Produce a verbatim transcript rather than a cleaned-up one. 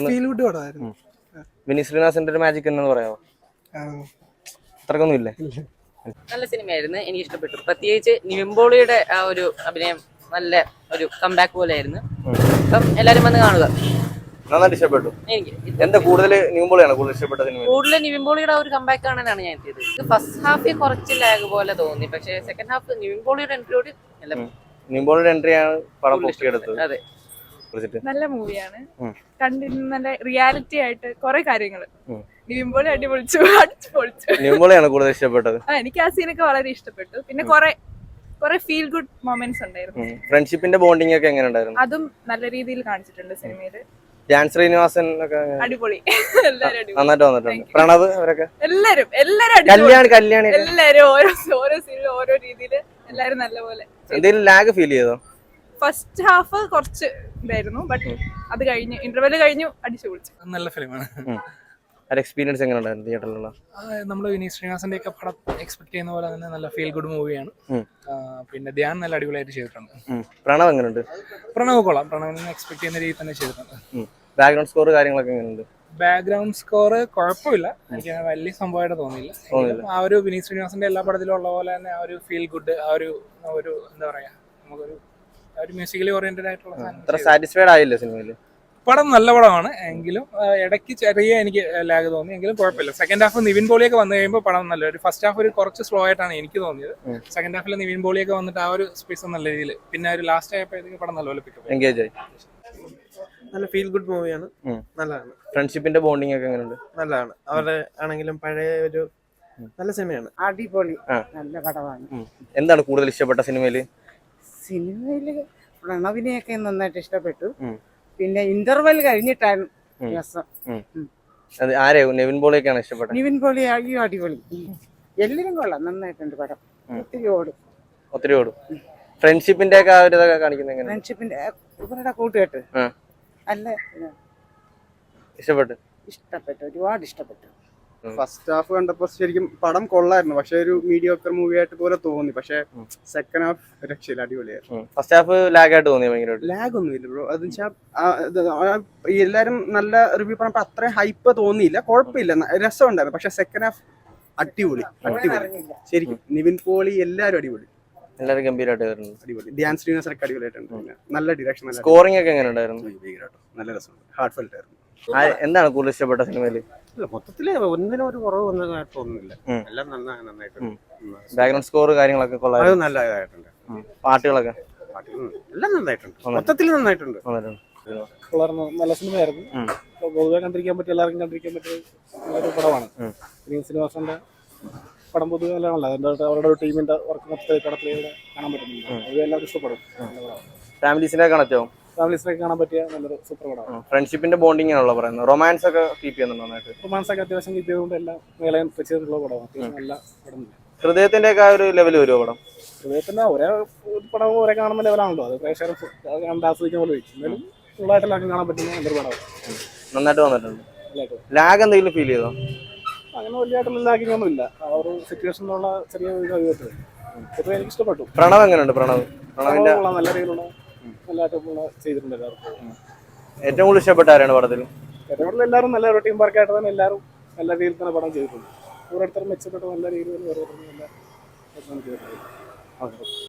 Feel good പടമായിരുന്നു. വിനീത് ശ്രീനിവാസന്റെ ഒരു മാജിക് എന്ന് പറയാമോ? അത്രക്കൊന്നും ഇല്ലേ? നല്ല സിനിമയായിരുന്നു, എനിക്ക് ഇഷ്ടപ്പെട്ടു. പ്രത്യേകിച്ച് നിവിൻ ആ ഒരു അഭിനയം നല്ല ഒരു കംബാക്ക് പോലെ ആയിരുന്നു. അപ്പം എല്ലാരും വന്ന് കാണുക. നന്നായിട്ട് ഇഷ്ടപ്പെട്ടു. എനിക്ക് എന്താ കൂടുതൽ നിവിൻ കൂടുതൽ ഇഷ്ടപ്പെട്ട സിനിമ? കൂടുതൽ നിവിൻ പോളിയുടെ ഒരു കംബാക്ക് കാണാനാണ് ഞാൻ എത്തിയത്. ഫസ്റ്റ് ഹാഫിൽ കുറച്ച് ലാഗ് പോലെ തോന്നി, പക്ഷേ സെക്കൻഡ് ഹാഫ് നിവിൻ പോളിയുടെ എൻട്രിയോട് നിവിൻ പോളിയുടെ എൻട്രിയാണ് പടം പൊക്കിയെടുത്തത്. അതെ, നല്ല മൂവിയാണ്. കണ്ടിരുന്ന നല്ല റിയാലിറ്റി ആയിട്ട് കുറെ കാര്യങ്ങൾ നിവിൻ പോളി അടിപൊളിച്ചു അടിച്ചു പൊളിച്ചു. നിവിൻ പോളിയാണ് കൂടുതൽ ഇഷ്ടപ്പെട്ടത്. എനിക്ക് ആ സീനൊക്കെ വളരെ ഇഷ്ടപ്പെട്ടു. പിന്നെ കുറെ കുറെ ഫീൽ ഗുഡ് മൊമെന്റ്സ് ഉണ്ടായിരുന്നു. ഫ്രണ്ട്ഷിപ്പിന്റെ ബോണ്ടിങ് ഒക്കെ എങ്ങനെ ഉണ്ടായിരുന്നു? അതും നല്ല രീതിയിൽ കാണിച്ചിട്ടുണ്ട് സിനിമയില്. ധ്യാൻ ശ്രീനിവാസൻ ഒക്കെ അടിപൊളി, എല്ലാരും നന്നായിട്ട് വന്നിട്ടുണ്ട്. പ്രണവ് അവരൊക്കെ എല്ലാരും എല്ലാരും കല്യാണി കല്യാണി എല്ലാരും ഓരോ ഓരോ സീനിൽ ഓരോ രീതിയിൽ എല്ലാരും നല്ലപോലെ. എന്തെങ്കിലും ലാഗ് ഫീൽ ചെയ്തോ? ഫസ്റ്റ് ഹാഫ് കുറച്ച് ഇതായിരുന്നു, ബട്ട് അത് കഴിഞ്ഞ് ഇന്റർവെല് കഴിഞ്ഞു അടിച്ചു പൊളിച്ചു. നല്ല ഫിലിമാണ്. എക്സ്പീരിയൻസ് എങ്ങനെ ഉണ്ടായിരുന്നു തിയേറ്ററിലുള്ള? നമ്മൾ വിനീത് ശ്രീനിവാസന്റെ ഒക്കെ പടം എക്സ്പെക്ട് ചെയ്യുന്ന പോലെ തന്നെ നല്ല ഫീൽ ഗുഡ് മൂവിയാണ്. പിന്നെ ധ്യാൻ നല്ല അടിപൊളിയായിട്ട് ചെയ്തിട്ടുണ്ട്. പ്രണവ് എങ്ങനെയുണ്ട്? പ്രണവ് കൊള്ളാം, പ്രണവിനെ എക്സ്പെക്ട് ചെയ്യുന്ന രീതി തന്നെ ചെയ്തിട്ടുണ്ട്. ബാക്ക്ഗ്രൗണ്ട് സ്കോർ കാര്യങ്ങളൊക്കെ എങ്ങനെയുണ്ട്? ബാക്ക്ഗ്രൗണ്ട് സ്കോർ കുഴപ്പമില്ല, എനിക്ക് വലിയ സംഭവമായിട്ട് തോന്നിയില്ല. ആ ഒരു വിനീത് ശ്രീനിവാസന്റെ എല്ലാ പടത്തിലും ഉള്ള പോലെ തന്നെ ആ ഒരു ഫീൽ ഗുഡ്, ആ ഒരു ഒരു എന്താ പറയാ, നമുക്കൊരു ഒരു മ്യൂസിക്കലി ഓറിയന്റഡ് ആയിട്ടുള്ള സാറ്റിസ്ഫൈഡ് ആയില്ലേ സിനിമയില്? പടം നല്ല പടമാണ്, എങ്കിലും ഇടയ്ക്ക് ചെറിയ എനിക്ക് ലാഗ് തോന്നി, എങ്കിലും കുഴപ്പമില്ല. സെക്കൻഡ് ഹാഫ് നിവിൻ പോളിയൊക്കെ വന്നു കഴിയുമ്പോൾ പടം നല്ല ഒരു ഫസ്റ്റ് ഹാഫ് ഒരു കുറച്ച് സ്ലോ ആയിട്ടാണ് എനിക്ക് തോന്നിയത്. സെക്കൻഡ് ഹാഫിൽ നിവിൻ പോളിയൊക്കെ വന്നിട്ട് ആ ഒരു സ്പേസ് നല്ല രീതിയിൽ, പിന്നെ ഒരു ലാസ്റ്റ് ആയപ്പോഴത്തേക്ക് പടം നല്ലപോലെ പിക്കപ്പ് എൻഗേജ് ആയി. നല്ല ഫീൽ ഗുഡ് മൂവിയാണ്, നല്ലതാണ്. ഫ്രണ്ട്ഷിപ്പിന്റെ ബോണ്ടിങ് ഒക്കെ എങ്ങനെയുണ്ട്? നല്ലതാണ്. അവരുടെ ആണെങ്കിലും പഴയ ഒരു നല്ല സിനിമയാണ്. അടിപൊളി, നല്ല പടമാണ്. എന്താണ് കൂടുതൽ ഇഷ്ടപ്പെട്ട സിനിമയില്? സിനിമയില് പ്രണവിനെയൊക്കെ നന്നായിട്ട് ഇഷ്ടപ്പെട്ടു. പിന്നെ ഇന്റർവെൽ കഴിഞ്ഞിട്ടാണ് രസം. ആരെയോ നിവിൻ പോളിയൊക്കെയാണ് ഇഷ്ടപ്പെട്ടത്? നിവിൻ പോളി അയ്യോ അടിപൊളി, എല്ലാരും കൊള്ളാം, നന്നായിട്ടുണ്ട് പടം. ഒത്തിരി ഓടും ഒത്തിരി ഓടും ഫ്രണ്ട്ഷിപ്പിന്റെ ഒക്കെ ആ ഒരു ഇതൊക്കെ കാണിക്കുന്നത് ഫ്രണ്ട്ഷിപ്പിന്റെ ഇവരുടെ കൂട്ടുകെട്ട് നല്ല ഇഷ്ടപ്പെട്ടു ഇഷ്ടപ്പെട്ടു ഒരുപാട് ഇഷ്ടപ്പെട്ടു. ഫസ്റ്റ് ഹാഫ് കണ്ടപ്പോൾ ശരിക്കും പടം കൊള്ളായിരുന്നു, പക്ഷെ ഒരു മീഡിയോക്കർ മൂവി ആയിട്ട് പോലെ തോന്നി. പക്ഷെ സെക്കൻഡ് ഹാഫ് രക്ഷയില്ല, അടിപൊളിയായിരുന്നു. ഫസ്റ്റ് ഹാഫ് ലാഗ് ആയിട്ട് തോന്നി, ഭയങ്കര ലാഗ് ഒന്നും ഇല്ല ബ്രോ. അത് വെച്ചാൽ എല്ലാരും നല്ല റിവ്യൂ പറഞ്ഞപ്പോൾ അത്രയും ഹൈപ്പ് തോന്നിയില്ല, കുഴപ്പമില്ല, രസം ഉണ്ടായിരുന്നു. പക്ഷെ സെക്കൻഡ് ഹാഫ് അടിപൊളി അടിപൊളി ശരിക്കും. നിവിൻ പോളി എല്ലാരും അടിപൊളി, എല്ലാവരും ഗംഭീരമായിട്ട് അടിപൊളി. ധ്യാൻ ശ്രീനിവാസൻ ഒക്കെ അടിപൊളിയായിട്ടുണ്ട്. നല്ല ഡിറക്ഷൻ, സ്കോറിംഗ് ഒക്കെ എങ്ങനെ ഉണ്ടായിരുന്നു? നല്ല രസമുണ്ട്, ഹാർട്ട് ഫെൽറ്റ് ആയിരുന്നു. എന്താണ് കൂടുതൽ ഇഷ്ടപ്പെട്ട സിനിമയില്? മൊത്തത്തില് ഒന്നിനും ഒരു കുറവ് വന്നതായിട്ട് തോന്നുന്നില്ല, എല്ലാം നന്നായി നന്നായിട്ടുണ്ട്. ബാക്ക്ഗ്രൗണ്ട് സ്കോർ കാര്യങ്ങളൊക്കെ കൊള്ളാം, അത് നല്ലതായിട്ടുണ്ട്. പാട്ടുകളൊക്കെ എല്ലാം നന്നായിട്ടുണ്ട്, മൊത്തത്തിൽ നന്നായിട്ടുണ്ട്. നല്ല സിനിമയായിരുന്നു. പൊതുവെ കണ്ടിരിക്കാൻ പറ്റിയ എല്ലാവർക്കും കണ്ടിരിക്കാൻ പറ്റിയ നല്ലൊരു പടമാണ്. വിനീത് ശ്രീനിവാസന്റെ പടം പൊതുവെ നല്ലതാണല്ലോ, അതിൻ്റെ അവരുടെ ഒരു ടീമിന്റെ വർക്ക് മൊത്തത്തിൽ പടത്തിലൂടെ കാണാൻ പറ്റുന്നുണ്ട്. അത് എല്ലാവരും ഇഷ്ടപ്പെടും. ഫാമിലീസിനെ കണക്ട് ആവും, ഫാമിലീസിനൊക്കെ കാണാൻ പറ്റിയ നല്ലൊരു സൂപ്പർ പടമാണ്. ഫ്രണ്ട്ഷിപ്പിന്റെ ബോണ്ടിങ് ആണല്ലോ പറയുന്നത്. റൊമാൻസ് ഒക്കെ കീപ്പ് ചെയ്യുന്നുണ്ടോ നന്നായിട്ട്? റൊമാൻസ് ഒക്കെ അത്യാവശ്യം കീപ്പ് ചെയ്തുകൊണ്ട് എല്ലാം മേളയും ചെയ്തിട്ടുള്ള പടമാണ്. അത്യാവശ്യം നല്ല പടം. ഹൃദയത്തിന്റെ ഒക്കെ ആ ഒരു ലെവൽ വരുമോ പടം? ഹൃദയത്തിന്റെ ഒരേ പടം ഒരേ കാണുന്ന ലെവലാണല്ലോ, അത് പ്രേക്ഷകർ കണ്ട് ആസ്വദിക്കാൻ പോലെ വെച്ചു. എന്നാലും ഫുള്ളായിട്ടെല്ലാം കാണാൻ പറ്റുന്ന നല്ലൊരു പടമാണ്, നന്നായിട്ട് വന്നിട്ടുണ്ട്. ലാഗ് എന്തെങ്കിലും ഫീൽ ചെയ്തോ? അങ്ങനെ വലിയതായിട്ടുള്ള ലാഗിങ് ഒന്നും ഇല്ല. ആ ഒരു സിറ്റുവേഷനിലുള്ള ചെറിയ കഴിവത്ത് പൊതുവെ എനിക്ക് ഇഷ്ടപ്പെട്ടു. പ്രണവ് എങ്ങനെയുണ്ട്? പ്രണവ് പ്രണവിന്റെ നല്ല രീതിയിലുള്ള നല്ലതായിട്ടുള്ള ചെയ്തിട്ടുണ്ട് എല്ലാവർക്കും. ഏറ്റവും കൂടുതൽ ഇഷ്ടപ്പെട്ട ആരാണ് പടത്തിൽ? ഏറ്റവും കൂടുതൽ എല്ലാവരും നല്ല ഒരു ടീം വർക്കായിട്ട് തന്നെ എല്ലാവരും നല്ല രീതിയിൽ തന്നെ പടം ചെയ്തിട്ടുണ്ട്. ഓരോരുത്തരും മെച്ചപ്പെട്ട് നല്ല രീതിയിൽ ഓരോരുത്തരും നല്ല ചെയ്തിട്ടുണ്ട്.